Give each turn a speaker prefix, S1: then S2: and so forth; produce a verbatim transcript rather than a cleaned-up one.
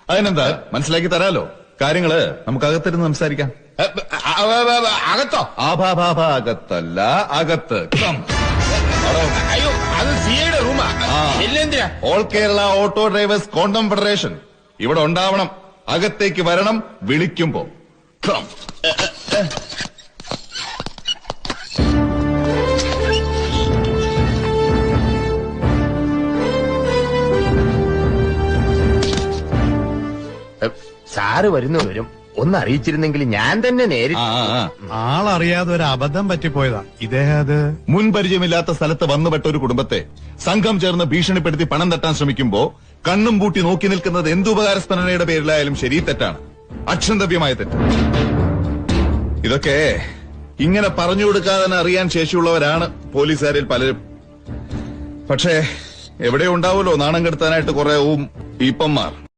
S1: അതിനെന്താ, മനസ്സിലാക്കി തരാലോ. കാര്യങ്ങള് നമുക്ക് അകത്തിരുന്ന് സംസാരിക്കാം.
S2: അകത്തോ?
S1: അകത്തല്ല, അകത്ത്.
S2: അയ്യോ, അത് സിയുടെ റൂമാ. എന്തിനാ?
S1: All Kerala auto drivers confederation ഇവിടെ ഉണ്ടാവണം. അകത്തേക്ക് വരണം വിളിക്കുമ്പോ.
S2: സാറ് വരുന്നു വരും. ഒന്ന് അറിയിച്ചിരുന്നെങ്കിൽ ഞാൻ തന്നെ നേരിട്ട്.
S3: ആളറിയാതെ ഒരു അബദ്ധം പറ്റിപ്പോയതാ. ഇദ്ദേഹം അത്
S1: മുൻപരിചയമില്ലാത്ത സ്ഥലത്ത് വന്നുപെട്ട ഒരു കുടുംബത്തെ സംഘം ചേർന്ന് ഭീഷണിപ്പെടുത്തി പണം തട്ടാൻ ശ്രമിക്കുമ്പോ കണ്ണും പൂട്ടി നോക്കി നിൽക്കുന്നത് എന്തുപകാരസ്മരണയുടെ പേരിലായാലും ശരി, തെറ്റാണ്. അക്ഷന്തവ്യമായ തെറ്റ്. ഇതൊക്കെ ഇങ്ങനെ പറഞ്ഞു കൊടുക്കാതെ അറിയാൻ ശേഷിയുള്ളവരാണ് പോലീസുകാരിൽ പലരും. പക്ഷേ എവിടെ ഉണ്ടാവുമല്ലോ നാണം കെടുത്താനായിട്ട് കുറെ ഊം ഈപ്പന്മാർ.